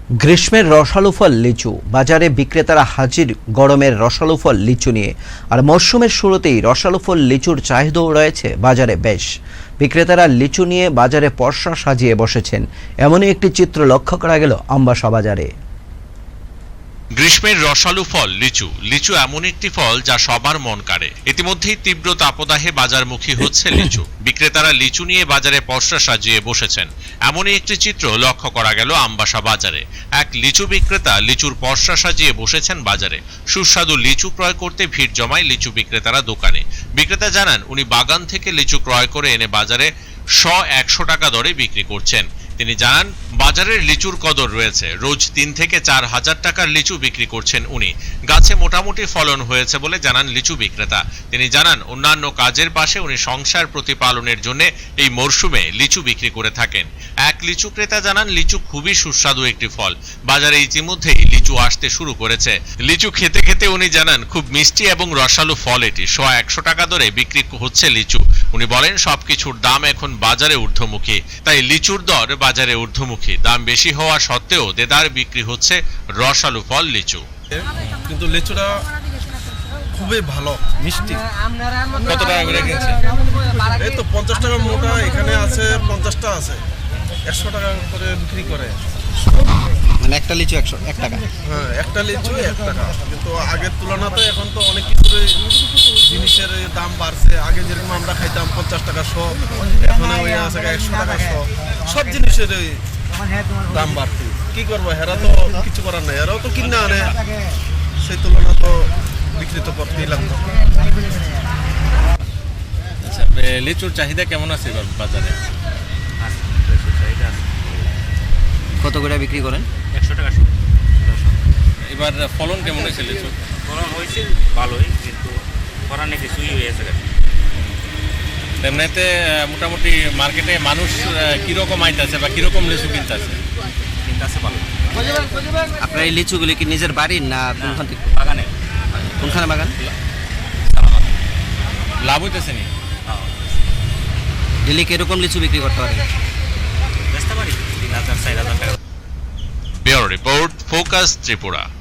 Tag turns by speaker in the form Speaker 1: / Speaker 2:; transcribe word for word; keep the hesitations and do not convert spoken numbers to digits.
Speaker 1: গ্রীষ্মের রসালো ফল লিচু বাজারে বিক্রেতারা হাজির গরমের রসালো ফল লিচু নিয়ে। আর মরশুমের শুরুতেই রসালো ফল লিচুর চাহিদাও রয়েছে বাজারে বেশ। বিক্রেতারা লিচু নিয়ে বাজারে পসরা সাজিয়ে বসেছেন, এমনই একটি চিত্র লক্ষ্য করা গেল আমবাসা বাজারে।
Speaker 2: গ্রীষ্মের রসালো ফল লিচু লিচু এমন একটি ফল যা সবার মন কাড়ে। ইতিমধ্যেই তীব্র তাপদাহে বাজারমুখী হচ্ছে লিচু। বিক্রেতারা লিচু নিয়ে বাজারে পসরা সাজিয়ে বসেছেন, এমনই একটি চিত্র লক্ষ্য করা গেল আমবাসা বাজারে। এক লিচু বিক্রেতা লিচুর পসরা সাজিয়ে বসেছেন বাজারে। সুস্বাদু লিচু ক্রয় করতে ভিড় জমায় লিচু বিক্রেতারা দোকানে। বিক্রেতা জানান, উনি বাগান থেকে লিচু ক্রয় করে এনে বাজারে শ একশো টাকা দরে বিক্রি করছেন। তিনি জানান, বাজারের লিচুর কদর রয়েছে। রোজ তিন থেকে চার হাজার টাকার লিচু বিক্রি করছেন উনি। গাছে মোটামুটি ফলন হয়েছে বলে জানান লিচু বিক্রেতা। তিনি জানান, অন্যান্য কাজের পাশে উনি সংসার প্রতিপালনের জন্য এই মরশুমে লিচু বিক্রি করে থাকেন। এক লিচু ক্রেতা জানান, লিচু খুবই সুস্বাদু একটি ফল। বাজারে ইতিমধ্যেই লিচু আসতে শুরু করেছে। লিচু খেতে খেতে উনি জানান, খুব মিষ্টি এবং রসালো ফল এটি। শ একশো টাকা দরে বিক্রি হচ্ছে লিচু। উনি বলেন, সবকিছুর দাম এখন বাজারে ঊর্ধ্বমুখী, তাই লিচুর দর বাজারে ঊর্ধ্বমুখী। দাম বেশি হওয়া সত্ত্বেও দেদার বিক্রি হচ্ছে রসালো ফল লিচু।
Speaker 3: কিন্তু লিচুটা খুবই ভালো, মিষ্টি।
Speaker 2: কত টাকা করে কিনছে?
Speaker 3: এই তো পঞ্চাশ টাকা মোটা, এখানে আছে পঞ্চাশটা আছে, একশো টাকা করে বিক্রি করে।
Speaker 4: মানে একটা লিচু একশো এক টাকা।
Speaker 3: হ্যাঁ, একটা লিচু এক টাকা। কিন্তু আগের তুলনাতে এখন তো অনেক কিছুর জিনিসের দাম বাড়ছে। আগে যেরকম আমরা খাইতাম পঞ্চাশ টাকা শ, এখন ওই আছে একশো টাকা শ। সব জিনিসের দাম বাড়ছে। কি করবো, হেরা তো কিছু করার নাই, এরাও তো কিনে আনে, সেই তুলনা তো বিক্রি তো করতেই লাগতো।
Speaker 2: আচ্ছা, লিচুর চাহিদা কেমন আছে এবার বাজারে?
Speaker 4: কত করে বিক্রি করেন?
Speaker 5: একশো টাকা।
Speaker 2: এবার ফলন কেমন হয়েছে লিচু?
Speaker 5: ফলন হয়েছে ভালোই, কিন্তু করার নেই, কিছুই হয়েছে।
Speaker 2: এমনিতে মোটামুটি মার্কেটে মানুষ কিরকম আইতেছে বা কিরকম লিচু কিনতেছে?
Speaker 5: কিনতেছে ভালো।
Speaker 4: আপনার এই লিচুগুলি কি নিজের বাড়ির না কোনখান থেকে?
Speaker 5: বাগানে।
Speaker 4: কোনখানে বাগান?
Speaker 2: লাভ হইতেছে নি?
Speaker 4: ডেলি কিরকম লিচু বিক্রি করতে পারেন?
Speaker 5: বেচতে পারি তিন হাজার চার হাজার টাকা।
Speaker 2: Bureau report, focus Tripura.